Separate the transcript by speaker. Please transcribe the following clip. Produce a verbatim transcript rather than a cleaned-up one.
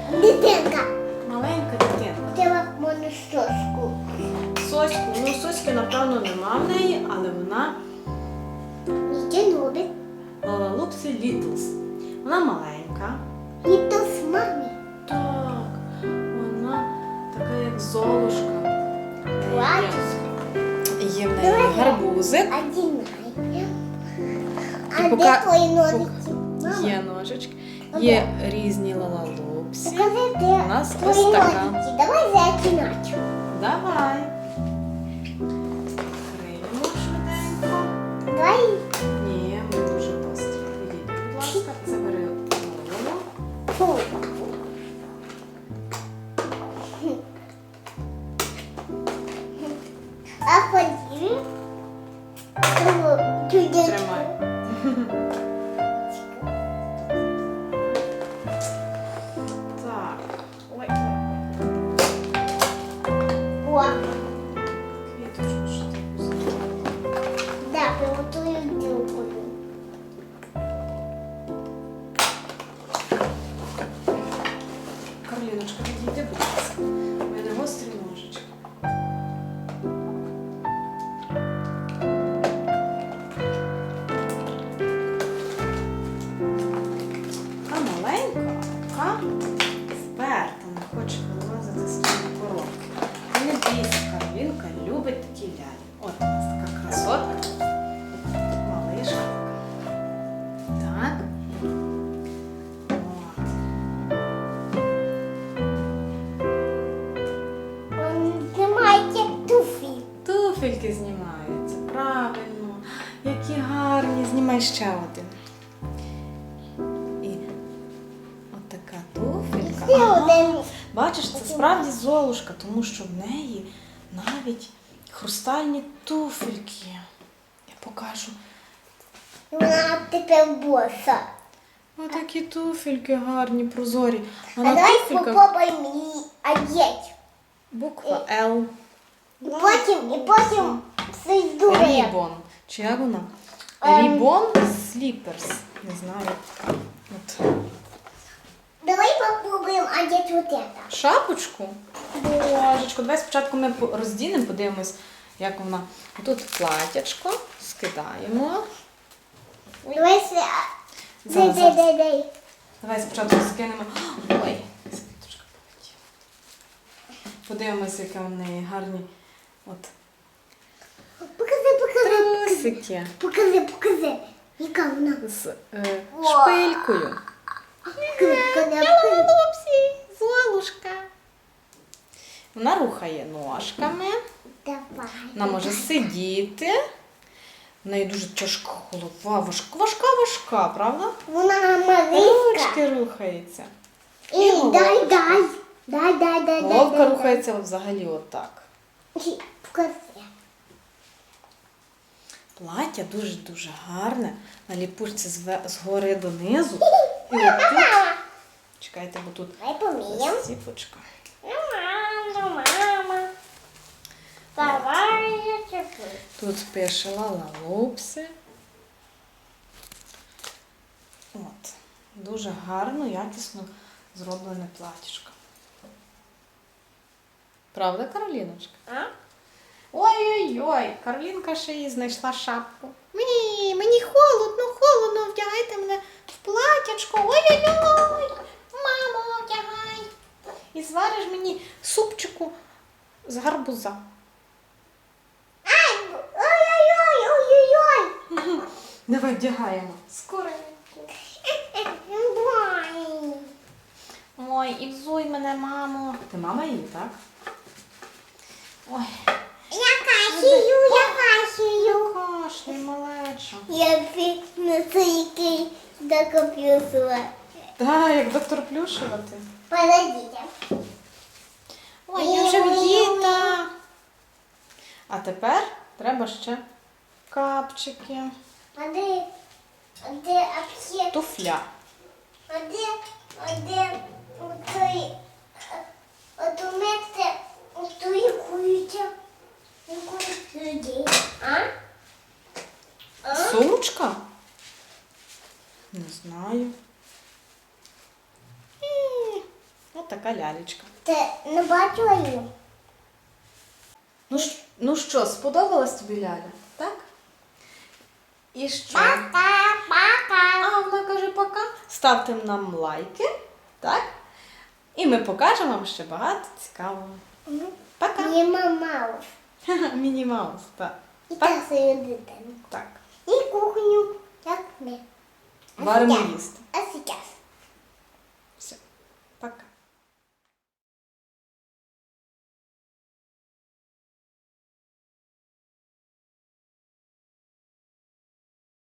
Speaker 1: Дитинка.
Speaker 2: Маленька дитинка.
Speaker 1: Треба мене соску.
Speaker 2: Соську. Ну, соськи, напевно, нема в неї, але вона
Speaker 1: Нічого робить.
Speaker 2: Лалалупсі Літлс. Вона маленька.
Speaker 1: І то з мамі.
Speaker 2: Так, вона така, як Золушка.
Speaker 1: Плачеш.
Speaker 2: Є в неї гарбузик.
Speaker 1: А дінай. А
Speaker 2: І
Speaker 1: де
Speaker 2: пока-
Speaker 1: твої ножиці? Мама,
Speaker 2: Є ножички, є різні лалалупсі.
Speaker 1: покажи, де
Speaker 2: У нас
Speaker 1: твої
Speaker 2: ось така.
Speaker 1: ножиці. Давай зачинати.
Speaker 2: Давай. Криємо швиденько.
Speaker 1: Давай.
Speaker 2: Ні, ми дуже гострі. Відійди, будь ласка, забери голову.
Speaker 1: Фу. А потім туди.
Speaker 2: Тримай. Так. Ой,
Speaker 1: О,
Speaker 2: квіточку ще так поставимо.
Speaker 1: да, приготую ділкою.
Speaker 2: Карліночка, відійди, будь ласка. У мене гострі ножички. А маленька, така вперта, не хоче вилазити з тієї коробки. І не бійся, Каролінка любить такі лялі. От у нас така красотка. Малишка. Так. От.
Speaker 1: Знімайте туфлі.
Speaker 2: Туфельки знімаються, правильно. Які гарні. Знімай ще один. І от така туфелька.
Speaker 1: Ще
Speaker 2: Ага.
Speaker 1: один.
Speaker 2: Бачиш, це справді Золушка, тому що в неї навіть хрустальні туфельки. Я покажу.
Speaker 1: Вона тепер боса.
Speaker 2: Отакі туфельки гарні, прозорі. А
Speaker 1: А
Speaker 2: на
Speaker 1: давай
Speaker 2: туфельках
Speaker 1: попробуємо її одягти.
Speaker 2: буква Л.
Speaker 1: І потім, і потім придумаємо.
Speaker 2: Рібон. Чи як вона?
Speaker 1: Ем.
Speaker 2: Рібон сліперс. Не знаю. От.
Speaker 1: Давай попробуємо одягти вот это.
Speaker 2: Шапочку? Божечко, давай спочатку ми по- роздінемо, подивимось, як вона. Тут платячко, скидаємо. Ой.
Speaker 1: Давай се... Дай,
Speaker 2: Зараз,
Speaker 1: дай,
Speaker 2: зараз.
Speaker 1: дай, дай.
Speaker 2: Давай спочатку скинемо. Ой, скидочка полетіла. Подивимось, які в неї гарні от
Speaker 1: Покажи, покажи.
Speaker 2: трусики
Speaker 1: Покажи, покажи. Яка вона?
Speaker 2: з е, шпилькою.
Speaker 1: Покажи, покажи, покажи.
Speaker 2: Лупсі, Золушка. Вона рухає ножками.
Speaker 1: Давай.
Speaker 2: Вона може сидіти. В неї дуже тяжка голова, важка, важка, важка, правда?
Speaker 1: Вона Мариська.
Speaker 2: Ручки рухаються.
Speaker 1: І
Speaker 2: головка.
Speaker 1: дай, дай. Дай, дай, дай, дай.
Speaker 2: Головка
Speaker 1: дай,
Speaker 2: рухається взагалі отак.
Speaker 1: дай. Покажи.
Speaker 2: Плаття дуже-дуже гарне. На ліпучці зве- згори донизу. І от тут, чекайте, бо тут
Speaker 1: Давай поміємо.
Speaker 2: сіпочка.
Speaker 1: Ну, мама, мама. Давай я чеплю.
Speaker 2: Тут пише Лалалупсі. От. Дуже гарно, якісно зроблене платічко. Правда, Кароліночка?
Speaker 1: А?
Speaker 2: Ой-ой-ой, Каролінка ще їй знайшла шапку. Мені, мені холодно, холодно, вдягайте мене в платячко. Ой-ой-ой, мамо, вдягай. І звариш мені супчику з гарбуза.
Speaker 1: Ай, ой-ой-ой, ой-ой-ой.
Speaker 2: Давай вдягаємо. Скоренько.
Speaker 1: Давай.
Speaker 2: Ой, і взуй мене, мамо. Ти мама її, так? Ой,
Speaker 1: Я кашію, я кашію.
Speaker 2: кашлюй, малеча.
Speaker 1: Я на цей до комп'ютера.
Speaker 2: Так, як доктор Плюшева ти.
Speaker 1: Подождите.
Speaker 2: Ой, я вже вдіта. А тепер треба ще капчики.
Speaker 1: А де, а де аптека?
Speaker 2: Туфля.
Speaker 1: А де, а де отой, от у мене отой куюча, людей, а? А?
Speaker 2: Сумочка? Не знаю. М, От от така лялечка.
Speaker 1: Ти не бачила її?
Speaker 2: Ну, ж- ну що, сподобалась тобі ляля? Так? І що?
Speaker 1: Пока, пока.
Speaker 2: А вона каже пока. Ставте нам лайки, так? І ми покажемо вам ще багато цікавого. Пока.
Speaker 1: Міма Маус.
Speaker 2: Міні Маус, так.
Speaker 1: І та свою дитину.
Speaker 2: Так.
Speaker 1: І кухню. Як ми.
Speaker 2: Варимо їсти.
Speaker 1: А